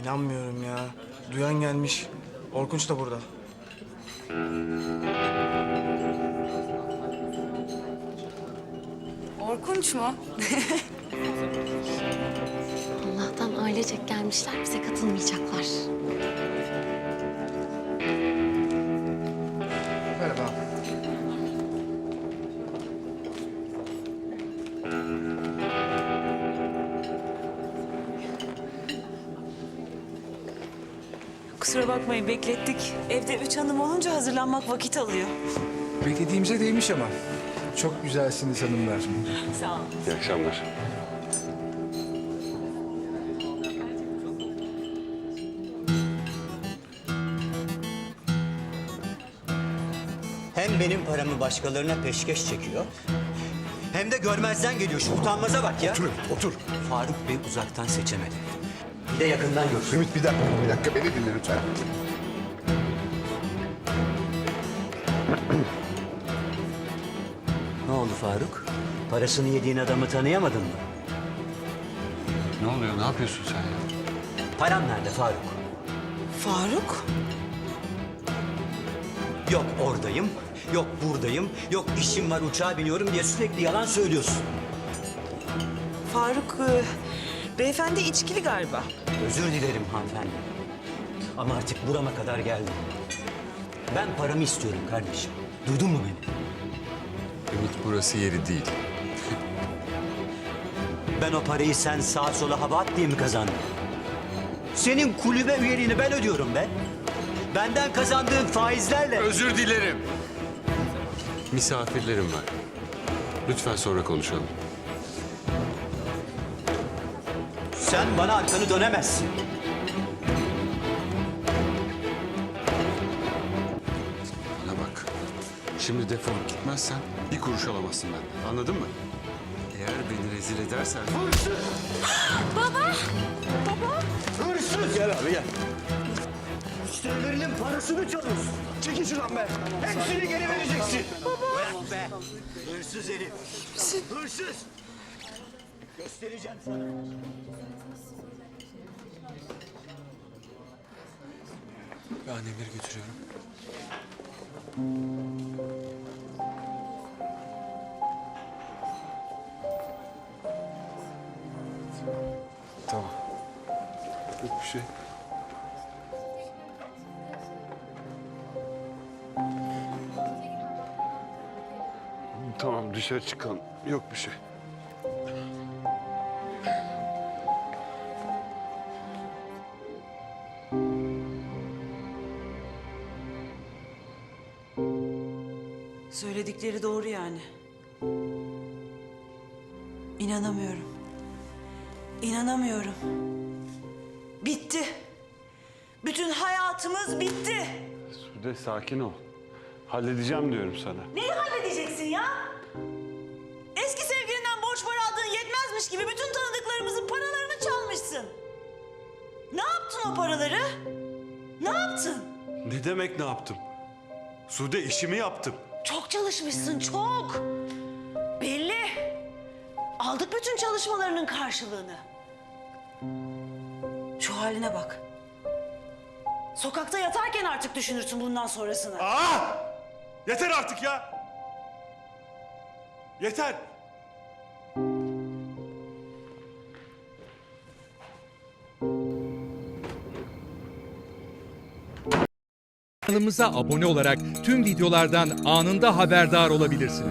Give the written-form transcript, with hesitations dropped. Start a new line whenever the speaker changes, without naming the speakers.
İnanmıyorum ya. Duyan gelmiş. Orkunç da burada.
Orkunç mu?
Allah'tan ailecek gelmişler, bize katılmayacaklar.
Merhaba.
Kusura bakmayın beklettik. Evde 3 hanım olunca hazırlanmak vakit alıyor.
Beklediğimize değmiş ama. Çok güzelsiniz hanımlar.
Sağ olun.
İyi akşamlar.
Hem benim paramı başkalarına peşkeş çekiyor, hem de görmezden geliyor. Şu utanmaza bak ya.
Otur, otur.
Faruk Bey uzaktan seçemedi. Bir de yakından görsün.
Ümit bir dakika beni dinle lütfen.
Ne oldu Faruk? Parasını yediğin adamı tanıyamadın mı?
Ne oluyor, ne yapıyorsun sen ya?
Param nerede Faruk?
Faruk?
Yok oradayım, yok buradayım, yok işim var uçağa biniyorum diye sürekli yalan söylüyorsun.
Faruk beyefendi içkili galiba.
Özür dilerim hanımefendi. Ama artık burama kadar geldim. Ben paramı istiyorum kardeşim. Duydun mu beni?
Ümit burası yeri değil.
Ben o parayı sen sağa sola hava at diye mi kazandın? Senin kulübe üyeliğini ben ödüyorum be. Benden kazandığın faizlerle.
Özür dilerim. Misafirlerim var. Lütfen sonra konuşalım.
Sen bana arkanı dönemezsin.
Bana bak. Şimdi defolup gitmezsen bir kuruş alamazsın benden. Anladın mı? Eğer beni rezil edersen...
Hırsız! Gel abi gel. Müşterilerinin parasını çalıyorsun.
Çekil şuradan be.
Hepsini geri vereceksin. Baba! Be. Hırsız herif. Hırsız! Göstereceğim sana.
Ben Emir'i götürüyorum.
Tamam. Yok bir şey. Tamam dışarı çıkalım. Yok bir şey.
Söyledikleri doğru yani. İnanamıyorum. İnanamıyorum. Bitti. Bütün hayatımız bitti.
Sude sakin ol. Halledeceğim diyorum sana.
Neyi halledeceksin ya? Eski sevgilinden borç para aldığın yetmezmiş gibi bütün tanıdıklarımızın paralarını çalmışsın. Ne yaptın o paraları? Ne yaptın?
Ne demek ne yaptım? Sude işimi yaptım.
Çok çalışmışsın, çok. Belli. Aldık bütün çalışmalarının karşılığını. Şu haline bak. Sokakta yatarken artık düşünürsün bundan sonrasını.
Yeter artık ya! Yeter!
Kanalımıza abone olarak tüm videolardan anında haberdar olabilirsiniz.